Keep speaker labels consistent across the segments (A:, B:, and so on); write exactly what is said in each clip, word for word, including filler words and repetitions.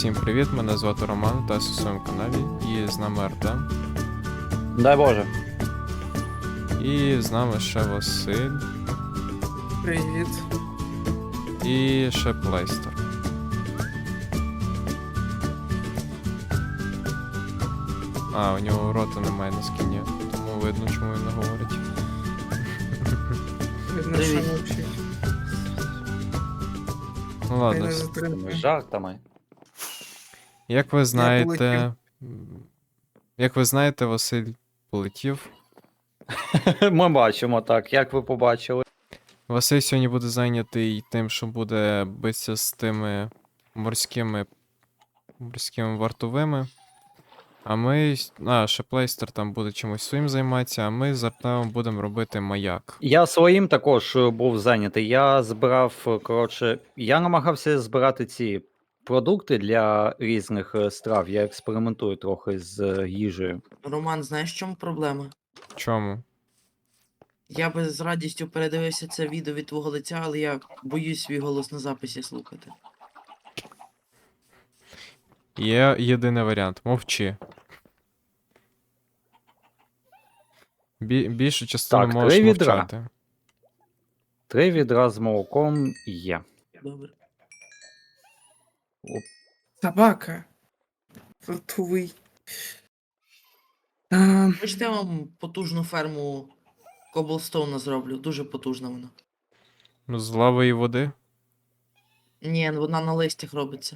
A: Всім привіт, мене звати Роман, та у своєму каналі, і з нами Артем,
B: Дай Боже.
A: і з нами ще Василь,
C: Привіт.
A: і ще Плейстер. А, у нього рота немає на скіні, тому видно, чому він не говорить.
C: Видно, що мовчить.
A: Ну
C: Хай
A: ладно,
C: не
A: с-
C: затримує.
B: Жартами.
A: як ви знаєте,
C: полетів.
A: м, як ви знаєте, Василь полетів.
B: Ми бачимо так, як ви побачили.
A: Василь сьогодні буде зайнятий тим, що буде битися з тими морськими морськими вартовими. А ми. А, ще Плейстер там буде чимось своїм займатися, а ми з Артемом будемо робити маяк.
B: Я своїм також е, був зайнятий. Я збирав, е, коротше, я намагався збирати ці продукти для різних е, страв. Я експериментую трохи з е, їжею.
C: Роман, знаєш, в чому проблема?
A: В чому?
C: Я би з радістю передивився це відео від твого лиця, але я боюсь свій голос на записі слухати.
A: Є єдиний варіант. Мовчи. Бі- більшу частину
B: Так,
A: можеш
B: три відра.
A: мовчати.
B: Три відра з молоком є.
C: Добре.
B: Оп.
C: Собака. Фартовий. А... Хочете, я вам потужну ферму Коблстоуна зроблю? Дуже потужна вона.
A: Ну, з лави і води.
C: Ні, вона на листях робиться.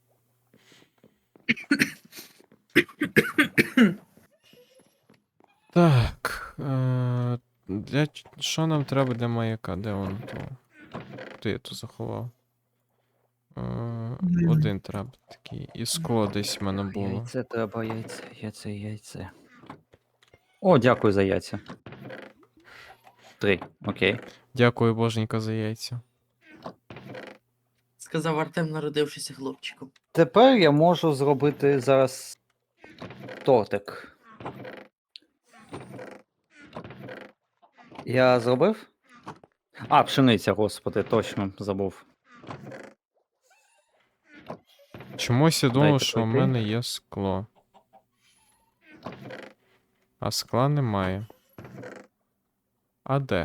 A: Так. Е- для... ч- Що нам треба для маяка? Де воно то? Де я то заховав? Е- один треба такий. І скло десь в мене було.
B: Яйце треба, яйце, яйце, яйце. О, дякую за яйця. Три, окей.
A: Дякую, боженька, за яйця.
C: Сказав Артем, народившися хлопчиком.
B: Тепер я можу зробити зараз тортик. Я зробив? А, пшениця, господи, точно забув.
A: Чомусь я думав,
B: Дайте
A: що в
B: пройти.
A: мене є скло. А скла немає. А де?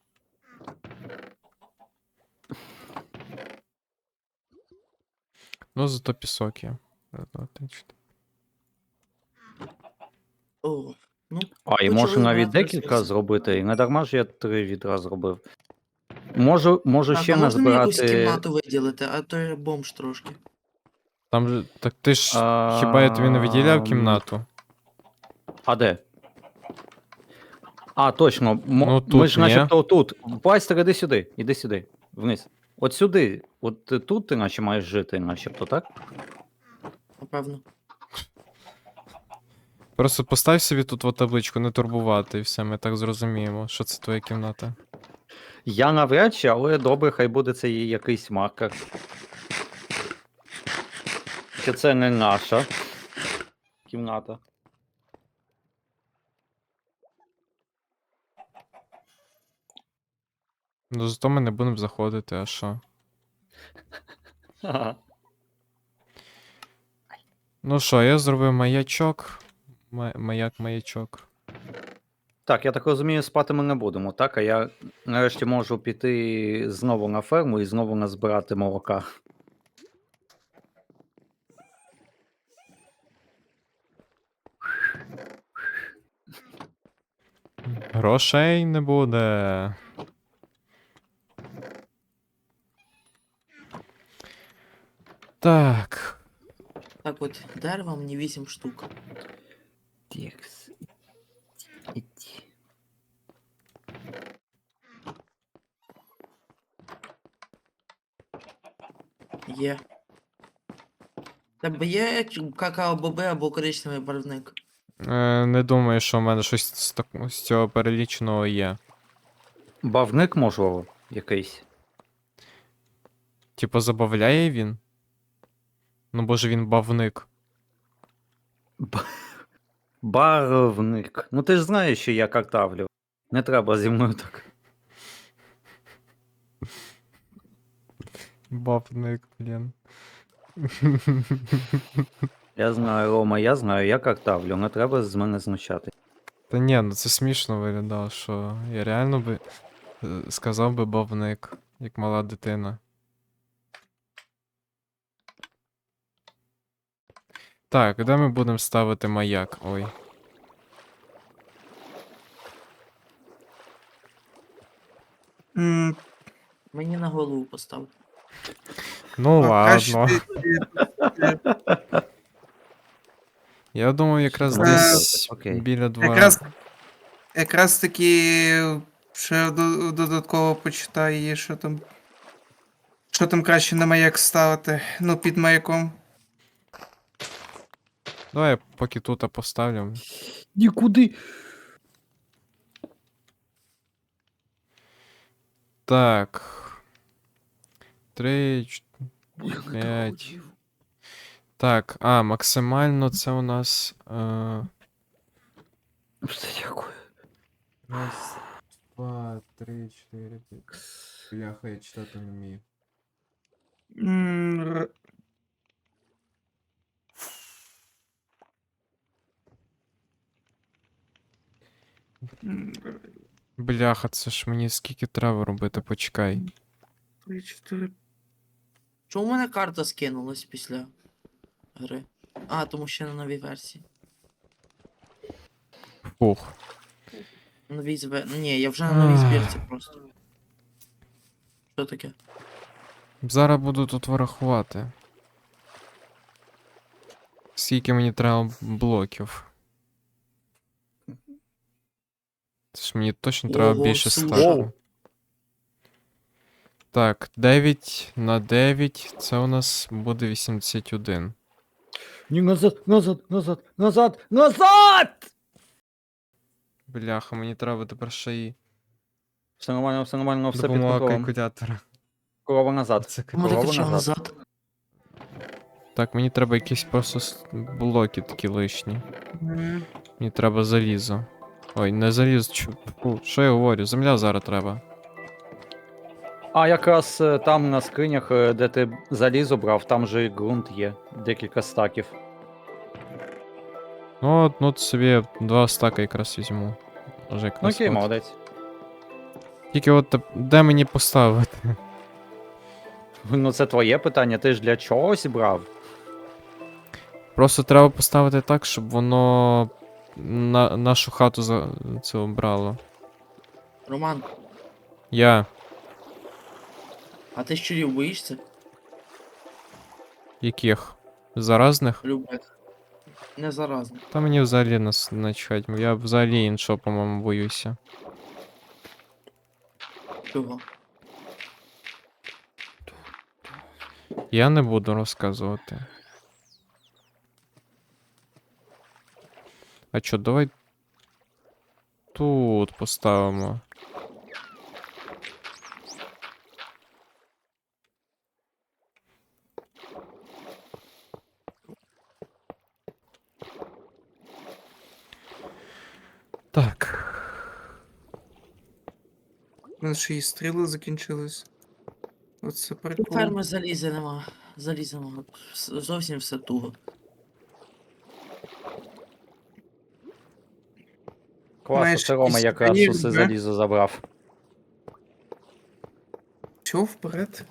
A: Ну, зато пісок є. Раз, два, три, чотири.
C: О, ну,
B: А, і
C: почали
B: можу навіть
C: збирати
B: декілька
C: ресурси.
B: зробити, і не дарма ж я три відра зробив. Можу, можу
C: Так,
B: ще
C: а можна мені якусь
B: назбирати.
C: кімнату виділити, а то я бомж трошки.
A: Там же. Так ти ж. Хіба я тобі не виділяв
B: Ам,
A: кімнату?
B: А де? А, точно. мо-
A: Ну,
B: Ми
A: тут
B: ж
A: ні.
B: начебто тут. Пластер, іди сюди, іди сюди. Вниз. От сюди. От е, тут ти наче маєш жити, начебто, так?
C: Напевно.
A: Просто постав собі тут от табличку, не турбувати, і все, ми так зрозуміємо, що це твоя кімната.
B: Я навряд чи, але добре, хай буде це і якийсь маркер. Що це не наша кімната.
A: Ну, зато ми не будемо заходити, а що?
B: Ага.
A: Ну що, я зробив маячок. Ма- Маяк-маячок.
B: Так, я так розумію, спати ми не будемо, так? А я нарешті можу піти знову на ферму і знову назбирати молока.
A: Грошей не буде. Так.
C: Так от, дерева мені вісім штук.
B: Тікс. Іді.
C: Є. Тебе є какао-боби або коричневий барвник?
A: Е, не думаю, що в мене щось з, так... з цього переліченого є.
B: Бавник, можливо, якийсь.
A: Типу, забавляє він? Ну, боже, він бавник.
B: Б- Барвник. Ну ти ж знаєш, що я картавлю. Не треба зі мною так.
A: Бавник, блін.
B: Я знаю, Рома, я знаю, я картавлю, не треба з мене знущати.
A: Та ні, ну це смішно виглядало, що я реально би е, сказав би бавник, як мала дитина. Так, де ми будемо ставити маяк? Ой.
D: М,
C: Мені на голову постав.
A: Ну
D: а краще
A: ладно.
D: ти- ти-
A: Я думаю, якраз
D: Е,
A: десь
B: окей.
A: біля двора.
D: Якраз, якраз таки ще до- додатково почитай, є, що там. Що там краще на маяк ставити? Ну, під маяком.
A: Давай я поки тут поставлю.
B: Нікуди.
A: Так. Три, ч- п'ять. Так, а, максимально це у нас. Е...
B: Все, дякую.
A: Раз, два, три, чотири, п'ять. Бляха, я читати не вмію.
D: М, р- м, р-
A: Бляха, це ж мені скільки треба робити, почекай.
D: Три, чотири.
C: Чому в мене карта скинулась після гри? А, тому що на новій версії.
A: Фух.
C: Новій збе... Ні, я вже на новій збірці просто. Що таке?
A: Зараз буду тут вирахувати. Скільки мені треба блоків. Це ж мені точно треба
C: Ого,
A: більше
C: слушай.
A: стаку. Так, дев'ять на дев'ять, це у нас буде вісімдесят один.
B: Ні, назад, назад, назад, назад, назад!
A: Бляха, мені треба тепер ще й
B: Все нормально, все нормально, все під
A: допомога
B: контролем.
A: калькулятора.
B: Корова назад.
A: Це
C: Кому ти
B: Корова
C: кричав
B: назад.
C: назад?
A: Так, мені треба якісь просто с- блоки такі лишні.
D: М,
A: Мені треба залізо. Ой, не залізо, чу- фу, що я говорю? Земля зараз треба.
B: А якраз е, там на скринях, е, де ти залізо брав, там же і ґрунт є. Декілька стаків.
A: Ну, от, ну от собі два стака якраз візьму. Може
B: Ну
A: якраз
B: окей,
A: от.
B: молодець.
A: Тільки от теп- де мені поставити?
B: Ну це твоє питання, ти ж для чогось брав.
A: Просто треба поставити так, щоб воно на нашу хату за це брало.
C: Роман,
A: Я.
C: а ти щурів боїшся?
A: Яких? Заразних?
C: Любих. Не заразно.
A: Та мені взагалі нас начхать. Я взагалі іншого, по-моєму, боюся.
C: Чого?
A: Я не буду розказувати. А чо, давай тут поставимо. Так.
D: У нас ще і стріли закінчились. Оце прикол.
C: Ферми заліза нема. Заліза нема. Вс- Зовсім все туго.
B: Класно,
D: Маєш
B: це Рома
D: якісь
B: якраз
D: сувеніри,
B: усе
D: да?
B: залізо забрав.
D: Чого вперед?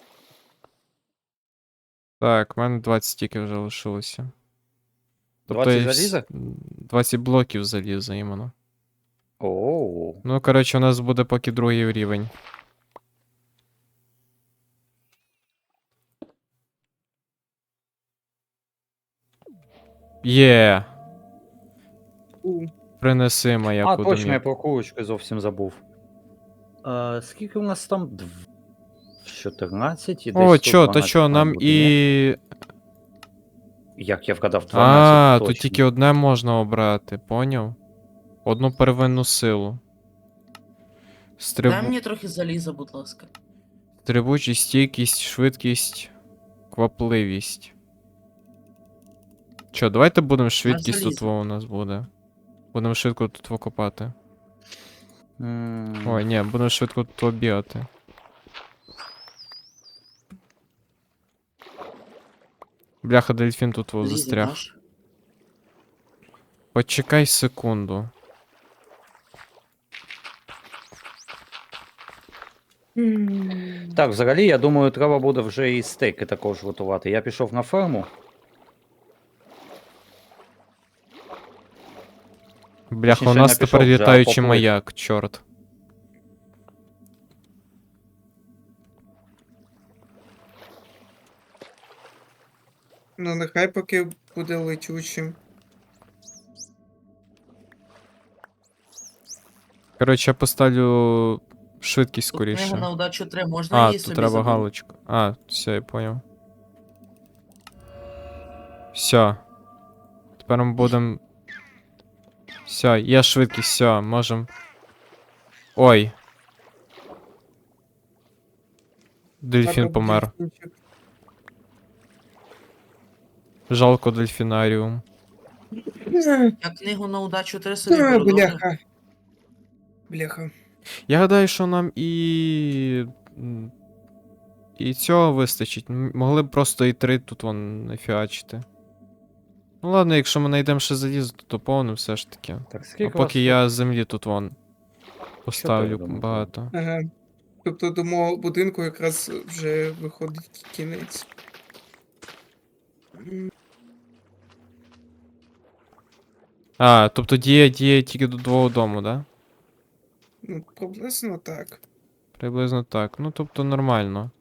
A: Так, в мене двадцять тільки вже лишилося.
B: двадцять
A: я вс-
B: заліза?
A: двадцять блоків заліза іменно.
B: Оу.
A: Ну, коротше, у нас буде поки другий рівень. Є!
D: У.
A: Принеси
B: А,
A: маяку до
B: точно, я
A: мене.
B: про курочки зовсім забув. А, скільки у нас там? Дв- чотирнадцять і десь
A: О,
B: тут
A: чо, та
B: дванадцять
A: чо,
B: має
A: нам
B: бути, ні?
A: і.
B: Як я вгадав, дванадцять
A: А,
B: точно.
A: тут тільки одне можна обрати, поняв? Одну первинну силу.
C: Дай
A: Стриб...
C: мені трохи заліза, будь ласка.
A: Стрибучість, стійкість, швидкість, квапливість. Чо, давайте будемо швидкість тут
C: залізо.
A: во у нас буде. Будемо швидко тут викопати.
B: М,
A: Ой, ні, будемо швидко тут бігати. Бляха, дельфін тут во
C: Лізі
A: застряг.
C: даш?
A: Почекай секунду.
B: Так, взагалі, я думаю, треба буде вже і стейки також готувати. Я пішов на ферму.
A: Бляха, у
B: Точніше,
A: нас
B: не
A: тепер
B: пішов вже, а
A: літаючий
B: поплив.
A: маяк, чорт.
D: Ну, нехай поки буде летючим.
A: Коротше, я поставлю швидкість
C: Тут книга
A: скоріше.
C: на удачу три, можна
A: А,
C: її
A: тут
C: собі
A: треба
C: забрати?
A: галочку. А, все, я поняв. Все. Тепер ми будемо. Все, є швидкість, все, можем. Ой. Дельфін
D: Треба
A: помер.
D: дельфінчик.
A: Жалко дельфінаріум.
C: Я книгу на удачу три собі
D: Ой,
C: беру, добре?
D: бляха. Бляха.
A: Я гадаю, що нам і. м, І цього вистачить. М, Могли б просто і три тут вон нафіачити. Ну ладно, якщо ми знайдемо ще залізо, то доповнимо все ж таки.
B: Так,
A: А
B: скільки
A: поки я землі тут вон поставлю
B: думаю,
A: багато.
D: Ага. Тобто до мого будинку якраз вже виходить кінець. М,
A: А, тобто діє діє тільки до двого дому, да?
D: Ну, приблизно так.
A: Приблизно так. Ну, тобто нормально.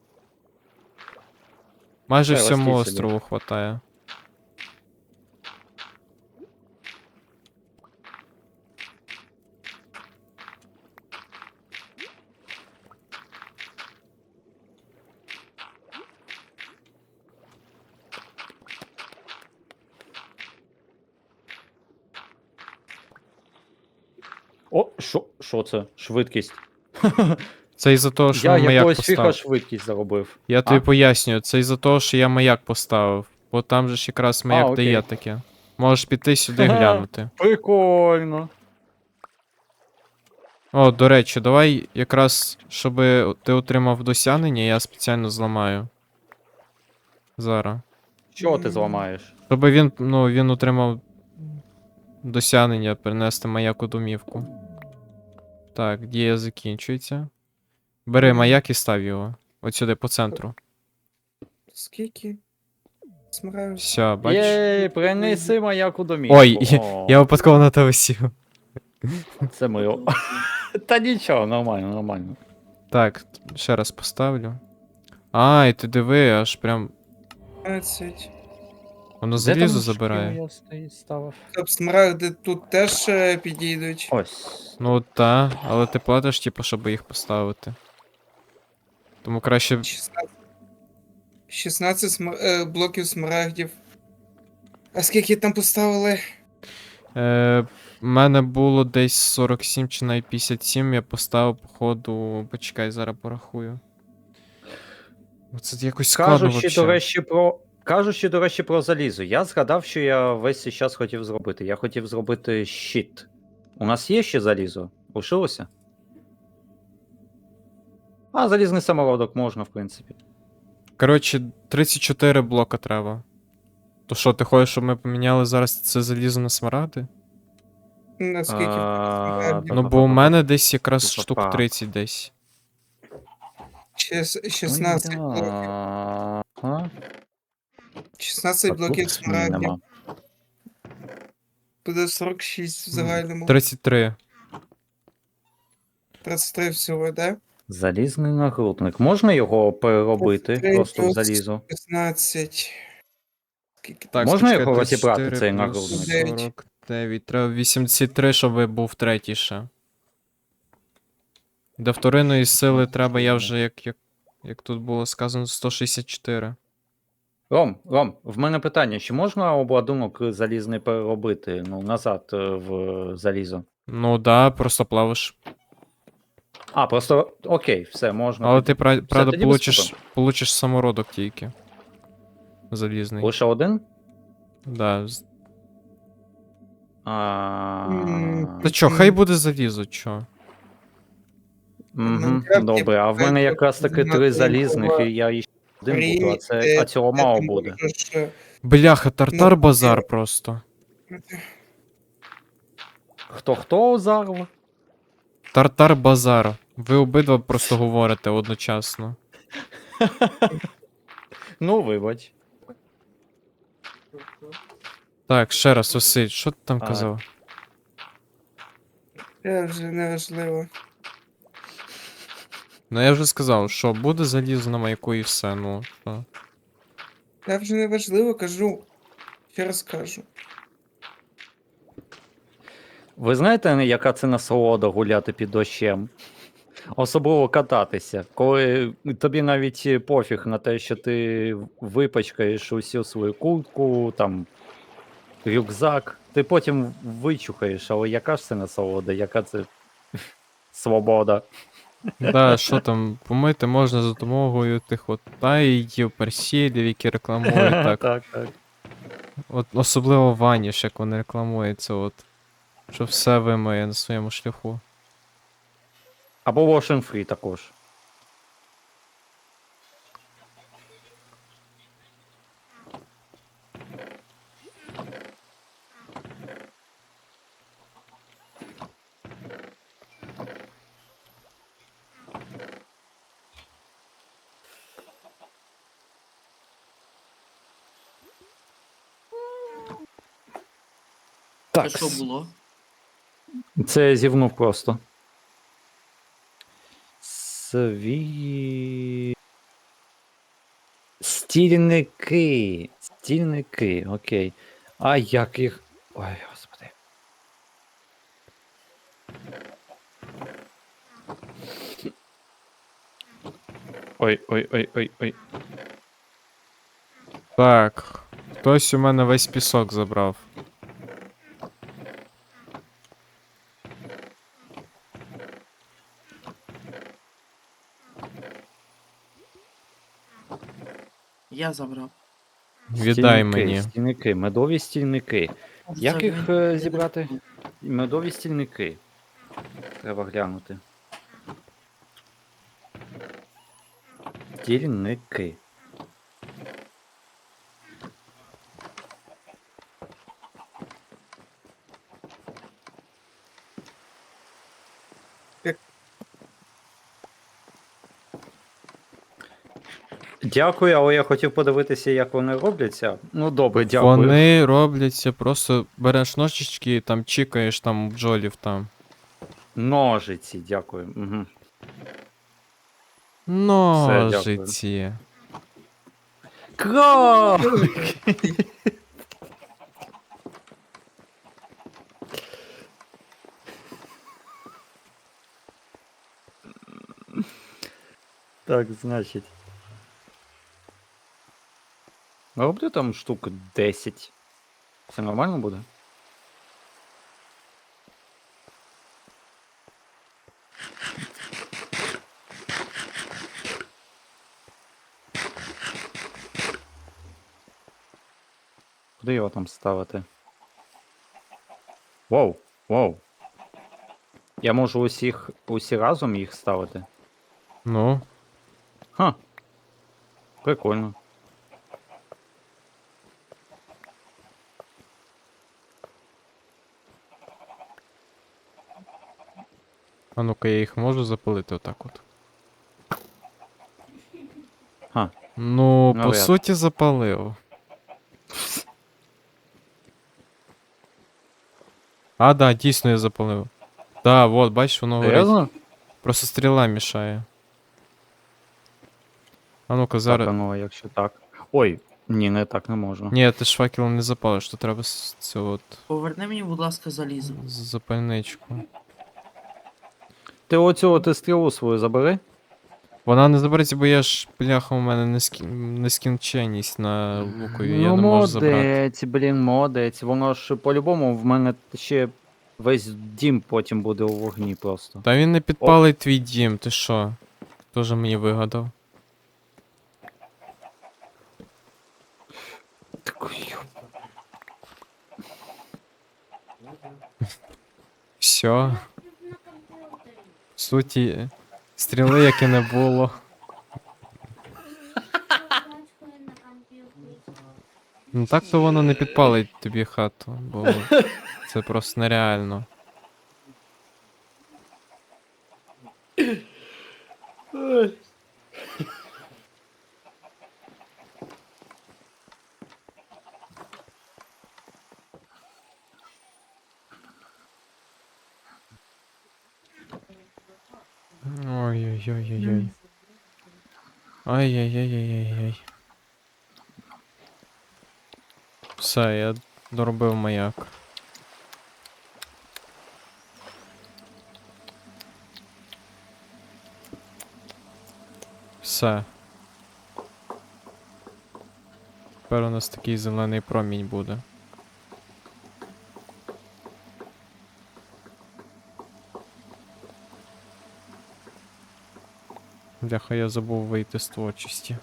A: Майже
B: Все,
A: всьому
B: ростіть собі.
A: острову хватає.
B: О, що, що це? Швидкість.
A: Це із-за того, що
B: Я
A: ми маяк
B: якогось фіха
A: поставив.
B: швидкість заробив.
A: Я тобі
B: А?
A: пояснюю, це із-за того, що я маяк поставив. Бо там же ж якраз маяк
B: окей.
A: дає таке. Можеш піти сюди
B: Ага.
A: глянути.
B: Прикольно.
A: О, до речі, давай якраз, щоб ти отримав досягнення, я спеціально зламаю. Зараз.
B: Що ти
D: М.
B: зламаєш?
A: Щоб він, ну, він отримав досягнення перенести маяк у домівку. Так, дія закінчується. Бери
D: Мгм.
A: маяк і став його. От сюди, по центру.
D: Скільки? Смараю.
A: Все, бачиш?
B: Єй, принеси маяк у домівку.
A: Ой,
B: О,
A: я випадково на тебе сів.
B: Це мило. Та нічого, нормально, нормально.
A: Так, ще раз поставлю. А, і ти диви, аж прям.
D: п'ятнадцять.
A: Воно
B: Де
A: залізо
B: там
A: забирає.
B: шкіру я стоїть ставив?
D: Тобто смарагди тут теж е, підійдуть.
B: Ось.
A: Ну та, але ти платиш, типу, щоб їх поставити. Тому краще.
D: шістнадцять. шістнадцять сма- е, блоків смарагдів. А скільки там поставили?
A: Е, в мене було десь сорок сім чи навіть п'ятдесят сім, я поставив, походу. Почекай, зараз порахую. Ну, Це якось складно
B: Кажучи,
A: вообще.
B: до речі, про. Кажучи, до речі, про залізо, я згадав, що я весь цей час хотів зробити. Я хотів зробити щит. У нас є ще залізо? Лишилося? А, залізний самородок можна, в принципі.
A: Коротше, тридцять чотири блока треба. То що, ти хочеш, щоб ми поміняли зараз це залізо на смарагди?
D: Наскільки
B: А,
D: смарагдів?
A: Ну, бо у мене десь якраз
B: Па-па-па.
A: штук тридцять десь.
D: Шіс- шістнадцять блоків.
B: Ага.
D: шістнадцять
B: А
D: блоків
B: тут ні,
D: смарагдів.
B: нема.
D: Буде сорок шість в загальному.
A: тридцять три.
D: тридцять три всього, да?
B: Залізний нагрудник. Можна його переробити
D: тридцять три
B: просто в
D: плюс
B: залізо?
D: шістнадцять. Скільки
A: Так,
B: Можна
A: почекай,
B: його розібрати,
A: тридцять чотири
B: цей
A: плюс
B: нагрудник?
D: Дев'ять.
A: сорок дев'ять. Треба вісімдесят три, щоб був третій ще. До вторинної сили треба, я вже, як, як, як тут було сказано, сто шістдесят чотири.
B: Ром, Ром, в мене питання: чи можна обладунок залізний переробити ну, назад е, в залізо?
A: Ну да, просто плавиш.
B: А, просто окей, все, можна.
A: Але
B: тоді.
A: ти, пра- правда,
B: тоді без
A: получиш,
B: проблем.
A: получиш самородок тільки. Залізний.
B: Лише один?
A: Да. з-
B: А...
D: М,
A: Та чо, хай буде залізо, чо?
B: Мгм,
D: Майнкрафт
B: добре, а в мене
D: є
B: якраз таки
D: знати
B: три залізних,
D: його
B: і я іще один буду, а,
D: Рі,
B: це,
D: е,
B: а цього
D: де
B: мало
D: ти
B: буде.
D: можеш, е,
A: Бляха, тартар
D: Ну,
A: базар
D: е,
A: просто.
B: Хто хто зараз?
A: Тартар базар. Ви обидва просто говорите одночасно.
B: Ну, вибач.
A: Так, ще раз, Василь, що ти там
B: А.
A: казав?
D: Це вже неважливо.
A: Ну я вже сказав, що буде залізо на маяку і все, ну що.
D: Це вже неважливо, кажу. Ще раз кажу.
B: Ви знаєте, яка це насолода гуляти під дощем? Особливо кататися, коли тобі навіть пофіг на те, що ти випачкаєш усю свою куртку, там, рюкзак, ти потім вичухаєш, але яка ж це насолода, яка це свобода.
A: Да, що там, помити можна за допомогою тих от таїв, персілів, які рекламують так.
B: так, так.
A: От особливо ваніш, як вони рекламуються, от. Що все вимиє на своєму шляху.
B: Або Wash and Free також.
C: Це
B: Так,
C: що було?
B: це я зівнув просто. Сві... Стільники. Стільники, окей. А як їх. Ой, господи. Ой, ой, ой, ой, ой.
A: Так. Хтось у мене весь пісок забрав.
C: Я забрав.
A: Віддай
B: Стільники,
A: мені.
B: Стільники, медові стільники.
C: Може,
B: Як
C: це
B: їх
C: він-
B: е, зібрати? Медові стільники. Треба глянути. Стільники.
D: Як-
B: Дякую, але я хотів подивитися, як вони робляться. Ну добре, дякую.
A: Вони робляться, просто береш ножички, там чікаєш там бджолів там.
B: Ножиці, дякую. Угу. дякую.
A: Ножиці.
B: Кролик! Так, значить. Роблю там штук десять. Це нормально буде? Куди його там ставити? Воу, воу. Я можу усіх, усі разом їх ставити?
A: Ну,
B: Ха. Прикольно.
A: а ну-ка я їх можу запалити отак от.
B: Ха.
A: Ну, по
B: Навряд.
A: суті, запалив. А, да, дійсно я запалив. Да, вот, бачиш, воно горить.
B: Серйозно?
A: Просто стріла мішає. А ну-ка,
B: Так,
A: зараз.
B: а ну, а якщо так. Ой, ні, не так не можна.
A: Ні, ти ж факелом не запалиш, то треба з цього от
C: Поверни мені, будь ласка, залізо.
A: з- запальничку.
B: Ти оцю от стрілу свою забери.
A: Вона не забереться, бо я ж, бляха, у мене нескін... нескінченність на лукові, я
B: ну,
A: не можу забрати.
B: молодець, блін, молодець. Воно ж по-любому в мене ще весь дім потім буде у вогні просто.
A: Та він не підпалить твій дім, ти що? Тоже мені вигадав.
B: Такий,
A: Все. В суті, стріли як і не було. Ну так то воно не підпалить тобі хату, бо це просто нереально. Ой-ой-ой-ой-ой. Ай-яй-яй-яй-яй-яй. Все, я доробив маяк. Все. Тепер у нас такий зелений промінь буде. Бляха, я забув вийти з творчості.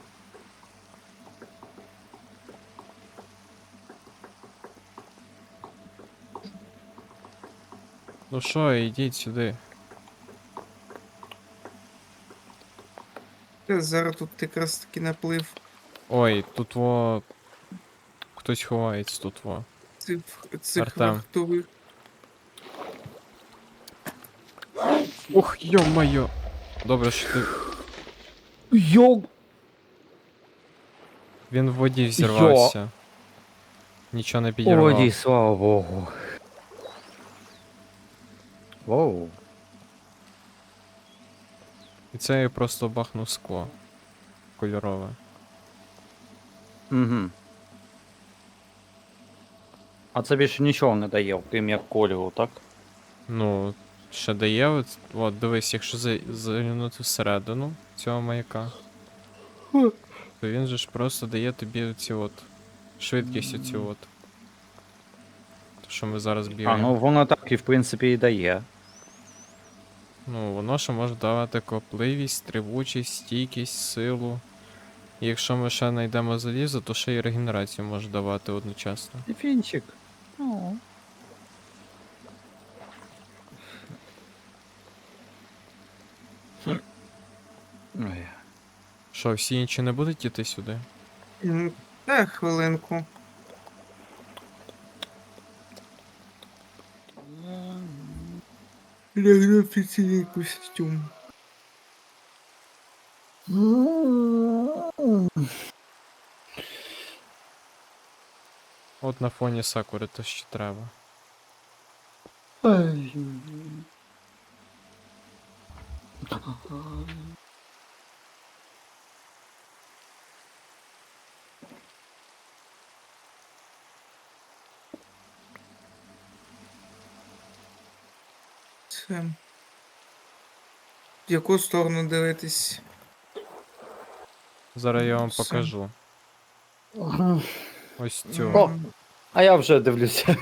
A: Ну що, ідіть сюди.
D: Та Зараз тут якраз таки наплив
A: Ой, тут во... Хтось ховається тут во.
D: цих, цих
A: Артем.
D: вахтових.
A: Ух, йо-моє. Добре, що ти...
B: Йо!
A: Він в воді взірвався. Нічого не підірвав.
B: Ой, слава Богу. Воу.
A: І це я просто бахнув скло. Кольорове.
B: Угу. А це більше нічого не дає, крім як кольору, так?
A: Ну, ще дає, от, от дивись, якщо за- заглянути всередину цього маяка, то він же ж просто дає тобі оці от швидкість оцю от. То, що ми зараз
B: А,
A: бігаємо.
B: ну воно так і в принципі і дає.
A: Ну, воно ще може давати копливість, тривучість, стійкість, силу. І якщо ми ще знайдемо залізо, то ще й регенерацію може давати одночасно.
B: Фінчик. Ну. Ой.
A: Що, всі інші не будуть іти сюди?
D: М, Та хвилинку. Лягну офіційний костюм.
A: От на фоні сакури то що треба.
D: Це. В яку сторону дивитись?
A: Зараз я вам
D: Все.
A: покажу. Ось цю.
B: О! А я вже дивлюся.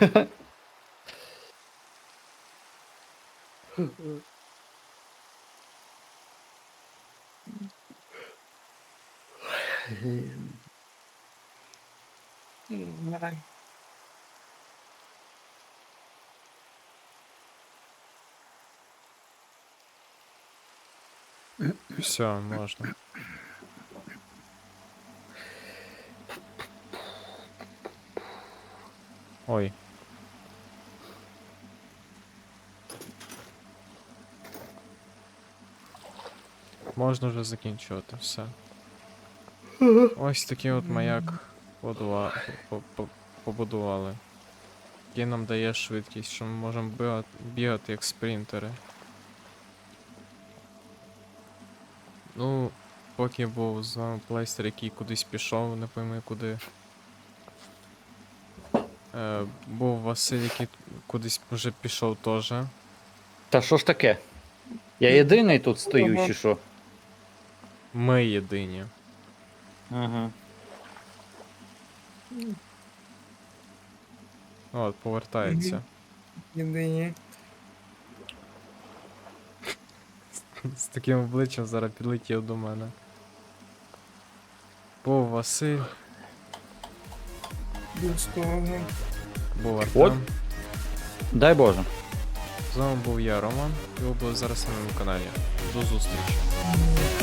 A: Все, можна. Ой. Можна вже закінчувати, все. Ось такий от маяк побудува- по- по- побудували. Який нам дає швидкість, що ми можемо бігати, бігати як спринтери. Ну, поки був з вами плейстер, який кудись пішов, не пойми куди. Е, був Василь, який кудись вже пішов теж.
B: Та що ж таке? Я єдиний тут стою,
D: Ага.
B: чи що?
A: Ми єдині.
B: Ага.
A: От, повертається.
D: Єдині.
A: З таким обличчям зараз підлетів до мене. Був Василь,
D: Безсторону.
A: був Артем.
B: Дай Боже.
A: З вами був я, Роман, і ви були зараз на моєму каналі. До зустрічі.
D: М,